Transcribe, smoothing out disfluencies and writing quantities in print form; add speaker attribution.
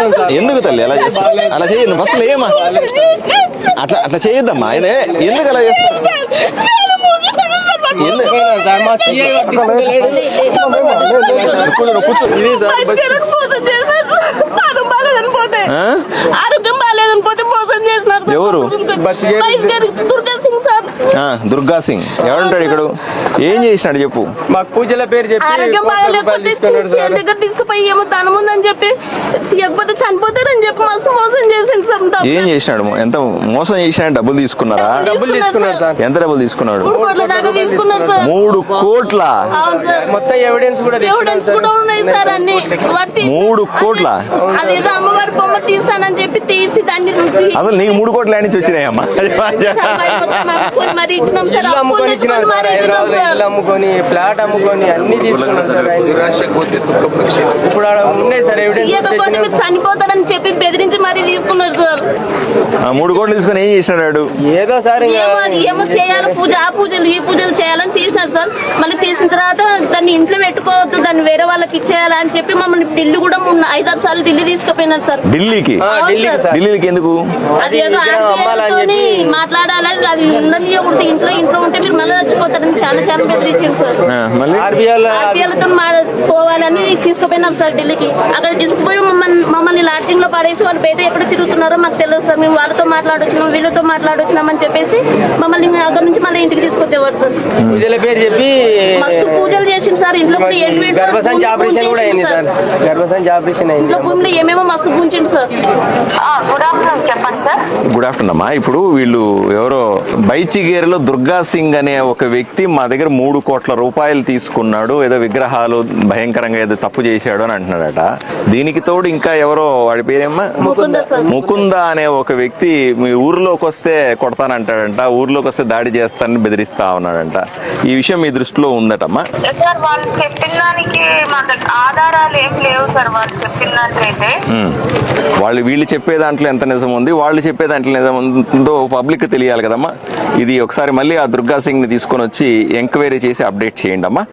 Speaker 1: ఎందుకు తల్లి అలా చేస్తా? అలా చేయను ఫస్ట్ ఏమా అట్లా చేయొద్దమ్మా. ఆయన ఎందుకు అలా చేస్తా?
Speaker 2: ఆరోగ్యం బాగాలేదని పోతే మోసం చేసినారు.
Speaker 1: ఎవరు? దుర్గా సింగ్ ఎవరుంటాడు ఇక్కడ? ఏం చేసినాడు చెప్పు.
Speaker 3: మాకు పూజల పేరు చెప్పి
Speaker 2: ఆరోగ్యం బాగాలేకపోతే దగ్గర తీసుకుపోయి ఏమో ధనం ఉందని చెప్పి తీయకపోతే చనిపోతారని చెప్పి మోసం చేసిండు సార్.
Speaker 1: ఏం చేసినాడు? ఎంత మోసం చేసినాడు? డబ్బులు తీసుకున్నారా?
Speaker 3: డబ్బులు తీసుకున్నారు సార్.
Speaker 1: ఎంత డబ్బులు తీసుకున్నాడు?
Speaker 2: 3 కోట్ల దాకా తీసుకున్నారు సార్.
Speaker 1: 3 కోట్ల?
Speaker 3: మొత్తం ఎవిడెన్స్
Speaker 2: కూడా ఉన్నాయి సార్. అన్ని
Speaker 1: 3 కోట్ల?
Speaker 2: అదేదో అమ్మవారి బొమ్మ తీస్తానని చెప్పి తీసి దాన్ని
Speaker 1: అసలు నీకు 3 కోట్ల నుంచి వచ్చినాయమ్మా?
Speaker 2: మరి ఇచ్చినాం సార్.
Speaker 3: అమ్ముకొని ఫ్లాట్ అమ్ముకొని అన్ని తీసుకున్నాం సార్. ఇప్పుడు ఉన్నాయి సార్ ఎవిడెన్స్.
Speaker 2: ఇవ్వకపోతే మీరు చనిపోతారని చెప్పి బెదిరించి మరీ తీసుకున్నారు సార్.
Speaker 1: 3 కోట్లు తీసుకుని ఏం చేసినాడు?
Speaker 3: ఏదో సార్
Speaker 2: ఏమో చేయాలి పూజ, ఆ పూజలు ఈ పూజలు చేయాలని తీసినారు సార్. మళ్ళీ తీసిన తర్వాత దాన్ని ఇంట్లో పెట్టుకోవద్దు, దాన్ని వేరే వాళ్ళకి ఇచ్చేయాలి అని చెప్పి మమ్మల్ని ఢిల్లీ కూడా 5-6 సార్లు ఢిల్లీ తీసుకుపోయినారు సార్.
Speaker 1: ఢిల్లీకి? ఢిల్లీకి ఎందుకు?
Speaker 2: అది ఏదో మాట్లాడాలని, అది ఉండనియకూడదు, ఇంట్లో ఉంటే మీరు మళ్ళీ చచ్చిపోతారని చాలా బెదిరించారు సార్. ఆర్బీఐలతో పోవాలని తీసుకుపోయినారు సార్ ఢిల్లీకి. అక్కడ తీసుకుపోయి మమ్మల్ని లాటింగ్ లో పడేసి వాళ్ళు బయట ఎక్కడ తిరుగుతున్నారో మాకు తెలియదు సార్. మేము వాళ్ళతో మాట్లాడొచ్చినాం, వీళ్ళతో మాట్లాడొచ్చినాం అని చెప్పేసి మమ్మల్ని అక్కడ నుంచి మళ్ళీ ఇంటికి తీసుకొచ్చేవారు సార్.
Speaker 3: పూజల పేరు చెప్పి
Speaker 2: మస్తు పూజలు చేసింది సార్. ఇంట్లో
Speaker 3: గర్భసంచి ఆపరేషన్ కూడా అయింది సార్. గర్భసంచి ఆపరేషన్ అయింది.
Speaker 2: ఇంట్లో భూమిలో ఏమేమో మస్తు పూంచింది సార్. గుడ్ ఆఫ్టర్నూన్ చెప్పండి సార్.
Speaker 1: గుడ్ ఆఫ్టర్నూన్ అమ్మా. ఇప్పుడు వీళ్ళు ఎవరో బైచిగేరులో దుర్గా సింగ్ అనే ఒక వ్యక్తి మా దగ్గర 3 కోట్ల రూపాయలు తీసుకున్నాడు, ఏదో విగ్రహాలు భయంకరంగా ఏదో తప్పు చేశాడు అని అంటున్నాడట. దీనికి తోడు ఇంకా ఎవరో, వాడి పేరేమ్మా ముకుంద అనే ఒక వ్యక్తి మీ ఊర్లోకి వస్తే కొడతానంటాడంట, ఊర్లోకి వస్తే దాడి చేస్తానని బెదిరిస్తా ఉన్నాడంట. ఈ విషయం మీ దృష్టిలో ఉందటమ్మా?
Speaker 4: సార్ వాళ్ళు చెప్పిన దానికి మా ఆధారాలు ఏం లేవు సార్. వాళ్ళు చెప్పిన దాంట్లయితే
Speaker 1: వీళ్ళు చెప్పే దాంట్లో ఎంత నిజం ఉంది, వాళ్ళు చెప్పే దాంట్లో నిజం ఉందో పబ్లిక్ తెలియాలి కదమ్మా. ఇది ఒకసారి మళ్ళీ ఆ దుర్గా సింగ్ ని తీసుకొని వచ్చి ఎంక్వైరీ చేసి అప్డేట్ చేయండి అమ్మా.